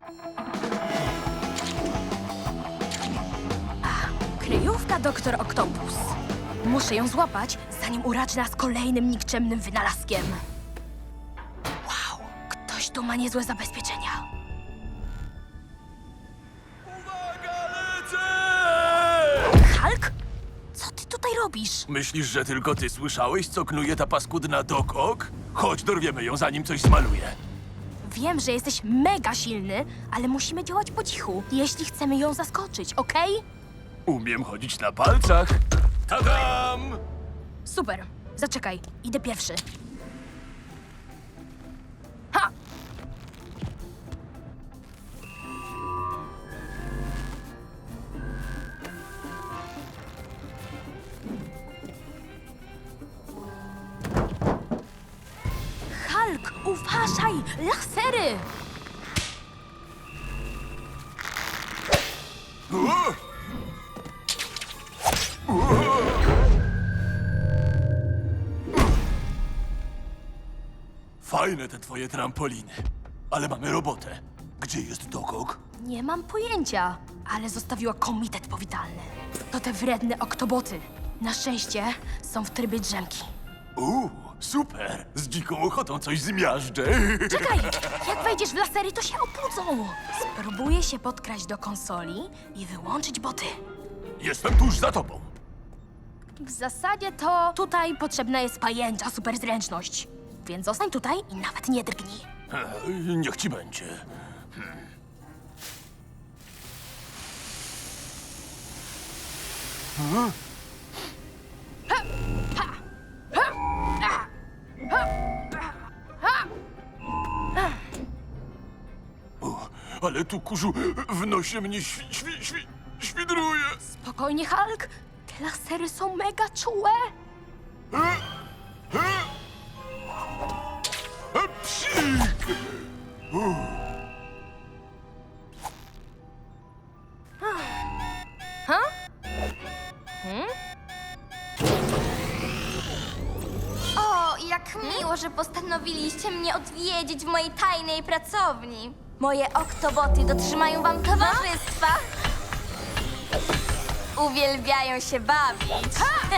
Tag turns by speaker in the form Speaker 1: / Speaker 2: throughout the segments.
Speaker 1: Kryjówka Doktor Oktopus. Muszę ją złapać, zanim uraczy nas kolejnym nikczemnym wynalazkiem. Wow, ktoś tu ma niezłe zabezpieczenia.
Speaker 2: Uwaga, lecę!
Speaker 1: Hulk? Co ty tutaj robisz?
Speaker 2: Myślisz, że tylko ty słyszałeś, co knuje ta paskudna Doc Ock? Chodź, dorwiemy ją, zanim coś zmaluje.
Speaker 1: Wiem, że jesteś mega silny, ale musimy działać po cichu, jeśli chcemy ją zaskoczyć, okej?
Speaker 2: Umiem chodzić na palcach. Tadam!
Speaker 1: Super. Zaczekaj, idę pierwszy. Ha! Hulk, uważaj! Lasery!
Speaker 2: Fajne te twoje trampoliny. Ale mamy robotę. Gdzie jest Doc Ock?
Speaker 1: Nie mam pojęcia, ale zostawiła komitet powitalny. To te wredne oktoboty. Na szczęście są w trybie drzemki.
Speaker 2: Super! Z dziką ochotą coś zmiażdżę.
Speaker 1: Czekaj! Jak wejdziesz w lasery, to się obudzą! Spróbuję się podkraść do konsoli i wyłączyć boty.
Speaker 2: Jestem tuż za tobą.
Speaker 1: W zasadzie to tutaj potrzebna jest pajęcza superzręczność. Więc zostań tutaj i nawet nie drgnij.
Speaker 2: Niech ci będzie. Ale tu, kurzu, w nosie mnie świdruje.
Speaker 1: Spokojnie, Hulk. Te lasery są mega czułe.
Speaker 2: Psik!
Speaker 3: O, jak miło, że postanowiliście mnie odwiedzić w mojej tajnej pracowni. Moje oktoboty dotrzymają wam towarzystwa. Uwielbiają się bawić.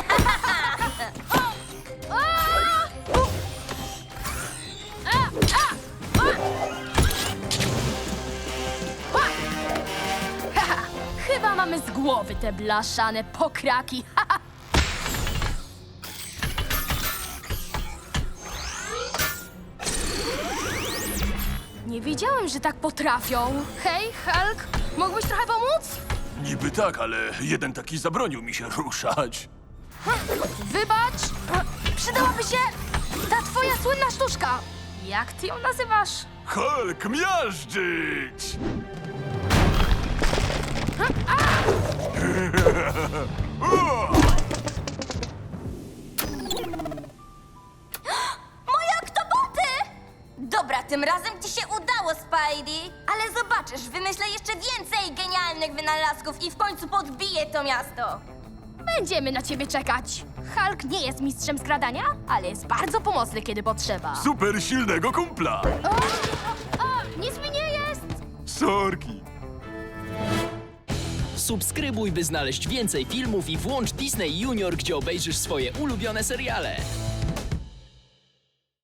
Speaker 1: Chyba mamy z głowy te blaszane pokraki. Nie wiedziałem, że tak potrafią. Hej, Hulk, mógłbyś trochę pomóc?
Speaker 2: Niby tak, ale jeden taki zabronił mi się ruszać.
Speaker 1: Wybacz, przydałaby się ta twoja słynna sztuczka. Jak ty ją nazywasz?
Speaker 2: Hulk, miażdżyć!
Speaker 3: Moje oktoboty! Dobra, tym razem ci się udało, Spidey. Ale zobaczysz, wymyślę jeszcze więcej genialnych wynalazków i w końcu podbiję to miasto.
Speaker 1: Będziemy na ciebie czekać. Hulk nie jest mistrzem skradania, ale jest bardzo pomocny, kiedy potrzeba.
Speaker 2: Super silnego kumpla!
Speaker 1: Nic mi nie jest!
Speaker 2: Sorki!
Speaker 4: Subskrybuj, by znaleźć więcej filmów i włącz Disney Junior, gdzie obejrzysz swoje ulubione seriale.